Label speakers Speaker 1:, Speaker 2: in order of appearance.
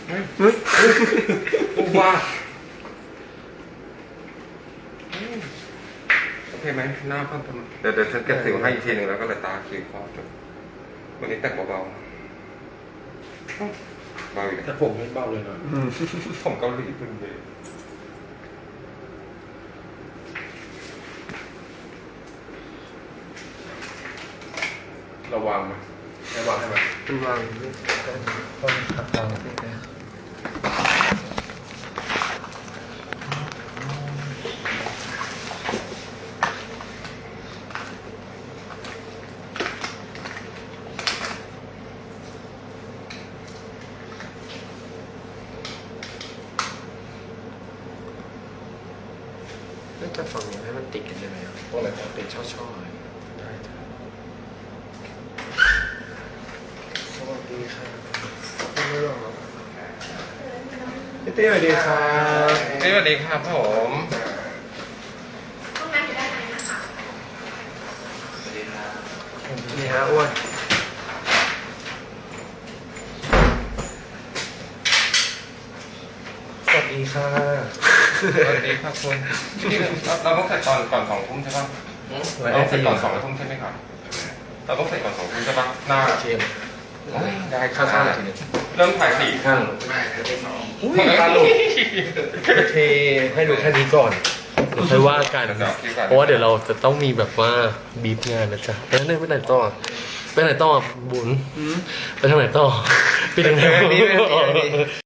Speaker 1: ว่าโอเคไหมหน้าเพิ่มเดี๋ยวฉันเก็บสิวให้อีกทีหนึ่งแล้วก็เลยตาคิ้วคอจบวันนี้แต่งเบาๆเบาอยู่
Speaker 2: แต่ผมไม่เบาเลยนะ
Speaker 1: ผมเกาหลีพึ่งเลย
Speaker 2: ระวังไหมไม่วางให้ไหม
Speaker 3: มันวางต้นขัดวางสิแกจะฝั่งนี้ให้มันติดกันได้ไหมครับ
Speaker 2: พวกอะไรครับ
Speaker 3: เป็นช่อๆเลย
Speaker 2: ได้จ้ะ
Speaker 3: สวัสดีครับไม่หรอกพี่เต้สวัสดีครับ
Speaker 1: สวัสดีครับผม
Speaker 4: ห้องน้ำอยู่ด้านในนะคะ
Speaker 3: นี่ฮะอ้วนสวัสดีค่ะ
Speaker 1: สวัสดีครับคุณนี่เราต้องเสร็จก่อน2 ทุ่มใช่ป่ะเราต้องเสร็จก่อน2 ทุ่มใช่ไหมครับเราต้องเสร็จก่อน2 ทุ่มใช่ป่ะหน้า
Speaker 3: เชม
Speaker 1: ได้ค
Speaker 3: ข้า
Speaker 1: รับ
Speaker 3: งๆหน่อยทีนึง
Speaker 1: เริ่มถ่ายสี่
Speaker 3: ข้าง
Speaker 2: ไม่ได้สอง
Speaker 3: อุ้ยตาหลุดเทให้ดูแค่นี้ก่อนเดี๋ยวค่อยว่ากันเพราะว่าเดี๋ยวเราจะต้องมีแบบว่าบีบงานนะจ๊ะแล้วเนี่ยไปไหนต่อไปไหนต่อบุญไปทางไหนต่อไปทางไหน